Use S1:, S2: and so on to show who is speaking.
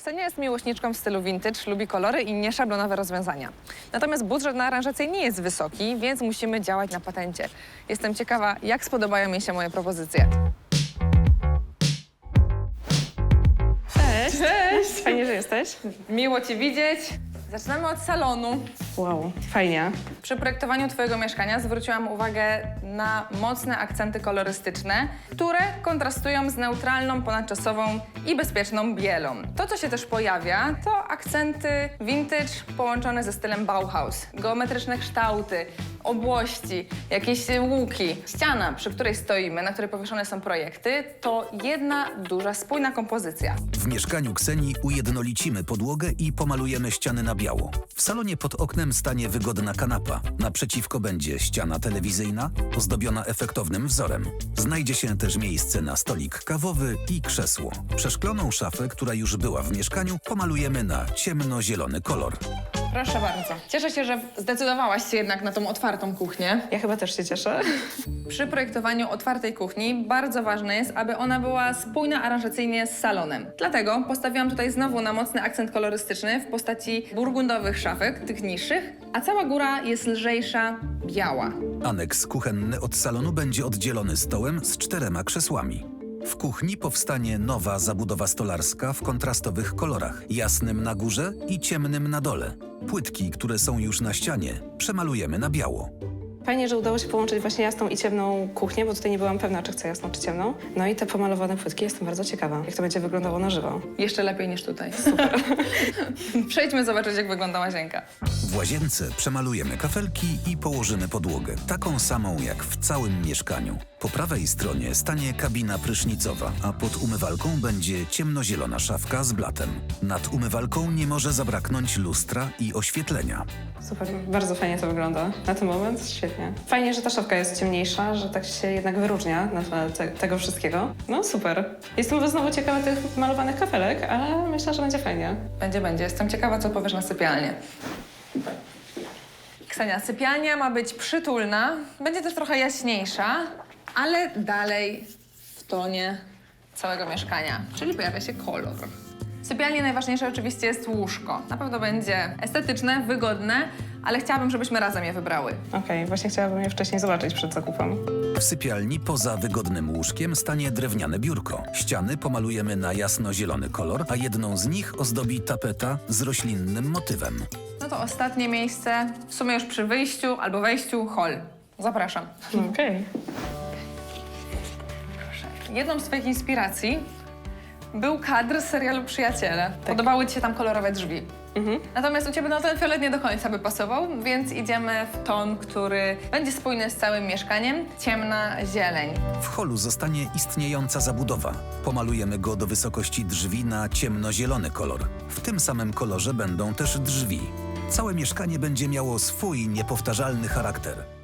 S1: Ksenia jest miłośniczką w stylu vintage, lubi kolory i nieszablonowe rozwiązania. Natomiast budżet na aranżację nie jest wysoki, więc musimy działać na patencie. Jestem ciekawa, jak spodobają mi się moje propozycje.
S2: Cześć!
S1: Cześć!
S2: Fajnie, że jesteś.
S1: Miło Cię widzieć. Zaczynamy od salonu.
S2: Wow, fajnie.
S1: Przy projektowaniu Twojego mieszkania zwróciłam uwagę na mocne akcenty kolorystyczne, które kontrastują z neutralną, ponadczasową i bezpieczną bielą. To, co się też pojawia, to akcenty vintage połączone ze stylem Bauhaus. Geometryczne kształty, obłości, jakieś łuki. Ściana, przy której stoimy, na której powieszone są projekty, to jedna duża, spójna kompozycja.
S3: W mieszkaniu Ksenii ujednolicimy podłogę i pomalujemy ściany na biało. W salonie pod oknem stanie wygodna kanapa. Naprzeciwko będzie ściana telewizyjna, ozdobiona efektownym wzorem. Znajdzie się też miejsce na stolik kawowy i krzesło. Przeszkloną szafę, która już była w mieszkaniu, pomalujemy na ciemnozielony kolor.
S1: Proszę bardzo. Cieszę się, że zdecydowałaś się jednak na tą otwartą kuchnię.
S2: Ja chyba też się cieszę.
S1: Przy projektowaniu otwartej kuchni bardzo ważne jest, aby ona była spójna aranżacyjnie z salonem. Dlatego postawiłam tutaj znowu na mocny akcent kolorystyczny w postaci burgundowych szafek, tych niższych, a cała góra jest lżejsza, biała.
S3: Aneks kuchenny od salonu będzie oddzielony stołem z 4 krzesłami. W kuchni powstanie nowa zabudowa stolarska w kontrastowych kolorach, jasnym na górze i ciemnym na dole. Płytki, które są już na ścianie, przemalujemy na biało.
S2: Fajnie, że udało się połączyć właśnie jasną i ciemną kuchnię, bo tutaj nie byłam pewna, czy chcę jasną, czy ciemną. No i te pomalowane płytki, jestem bardzo ciekawa, jak to będzie wyglądało na żywo.
S1: Jeszcze lepiej niż tutaj. Super. Przejdźmy zobaczyć, jak wygląda łazienka.
S3: W łazience przemalujemy kafelki i położymy podłogę, taką samą jak w całym mieszkaniu. Po prawej stronie stanie kabina prysznicowa, a pod umywalką będzie ciemnozielona szafka z blatem. Nad umywalką nie może zabraknąć lustra i oświetlenia.
S2: Super, bardzo fajnie to wygląda na ten moment, świetnie. Fajnie, że ta szafka jest ciemniejsza, że tak się jednak wyróżnia na tle tego wszystkiego. No super. Jestem znowu ciekawa tych malowanych kafelek, ale myślę, że będzie fajnie.
S1: Będzie. Jestem ciekawa, co powiesz na sypialnię. Ksenia, sypialnia ma być przytulna, będzie też trochę jaśniejsza, ale dalej w tonie całego mieszkania, czyli pojawia się kolor. W sypialni najważniejsze oczywiście jest łóżko. Na pewno będzie estetyczne, wygodne, ale chciałabym, żebyśmy razem je wybrały.
S2: Okej, właśnie chciałabym je wcześniej zobaczyć przed zakupem.
S3: W sypialni poza wygodnym łóżkiem stanie drewniane biurko. Ściany pomalujemy na jasno-zielony kolor, a jedną z nich ozdobi tapeta z roślinnym motywem.
S1: No to ostatnie miejsce, w sumie już przy wyjściu albo wejściu, hol. Zapraszam.
S2: Okej.
S1: Jedną z Twoich inspiracji był kadr z serialu Przyjaciele. Podobały Ci się tam kolorowe drzwi. Natomiast u Ciebie ten fiolet nie do końca by pasował, więc idziemy w ton, który będzie spójny z całym mieszkaniem. Ciemna zieleń.
S3: W holu zostanie istniejąca zabudowa. Pomalujemy go do wysokości drzwi na ciemnozielony kolor. W tym samym kolorze będą też drzwi. Całe mieszkanie będzie miało swój niepowtarzalny charakter.